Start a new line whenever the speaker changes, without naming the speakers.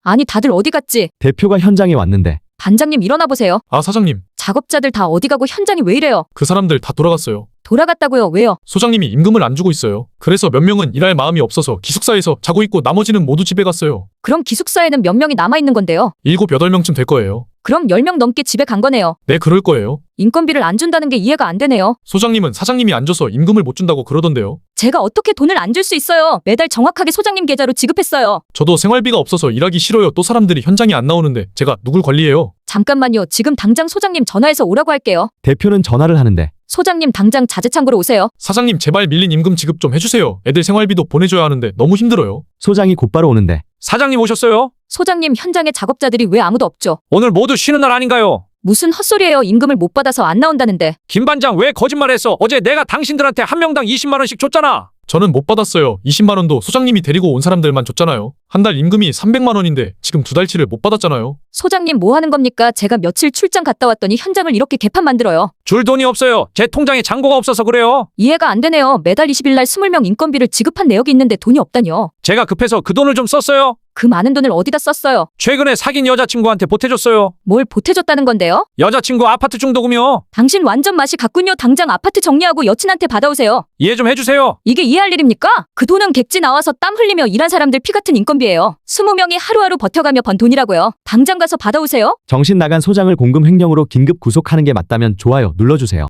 아니 다들 어디 갔지?
대표가 현장에 왔는데.
반장님 일어나 보세요.
아, 사장님.
작업자들 다 어디 가고 현장이 왜 이래요?
그 사람들 다 돌아갔어요.
돌아갔다고요? 왜요?
소장님이 임금을 안 주고 있어요. 그래서 몇 명은 일할 마음이 없어서 기숙사에서 자고 있고 나머지는 모두 집에 갔어요.
그럼 기숙사에는 몇 명이 남아있는 건데요?
7, 8명쯤 될 거예요.
그럼 10명 넘게 집에 간 거네요.
네, 그럴 거예요.
인건비를 안 준다는 게 이해가 안 되네요.
소장님은 사장님이 안 줘서 임금을 못 준다고 그러던데요.
제가 어떻게 돈을 안 줄 수 있어요? 매달 정확하게 소장님 계좌로 지급했어요.
저도 생활비가 없어서 일하기 싫어요. 또 사람들이 현장에 안 나오는데 제가 누굴 관리해요?
잠깐만요. 지금 당장 소장님 전화해서 오라고 할게요.
대표는 전화를 하는데.
소장님 당장 자재창고로 오세요.
사장님 제발 밀린 임금 지급 좀 해주세요. 애들 생활비도 보내줘야 하는데 너무 힘들어요.
소장이 곧바로 오는데.
사장님 오셨어요?
소장님 현장에 작업자들이 왜 아무도 없죠?
오늘 모두 쉬는 날 아닌가요?
무슨 헛소리예요. 임금을 못 받아서 안 나온다는데.
김 반장 왜 거짓말했어? 어제 내가 당신들한테 한 명당 20만 원씩 줬잖아.
저는 못 받았어요. 20만 원도 소장님이 데리고 온 사람들만 줬잖아요. 한 달 임금이 300만 원인데 지금 2달치를 못 받았잖아요.
소장님 뭐 하는 겁니까? 제가 며칠 출장 갔다 왔더니 현장을 이렇게 개판 만들어요.
줄 돈이 없어요. 제 통장에 잔고가 없어서 그래요.
이해가 안 되네요. 매달 20일 날 20명 인건비를 지급한 내역이 있는데 돈이 없다뇨.
제가 급해서 그 돈을 좀 썼어요.
그 많은 돈을 어디다 썼어요?
최근에 사귄 여자친구한테 보태줬어요.
뭘 보태줬다는 건데요?
여자친구 아파트 중도금이요.
당신 완전 맛이 갔군요. 당장 아파트 정리하고 여친한테 받아오세요.
이해 좀 해주세요.
이게 이해할 일입니까? 그 돈은 객지 나와서 땀 흘리며 일한 사람들 피 같은 인건비예요. 20명이 하루하루 버텨가며 번 돈이라고요. 당장 가서 받아오세요.
정신 나간 소장을 공금 횡령으로 긴급 구속하는 게 맞다면 좋아요 눌러주세요.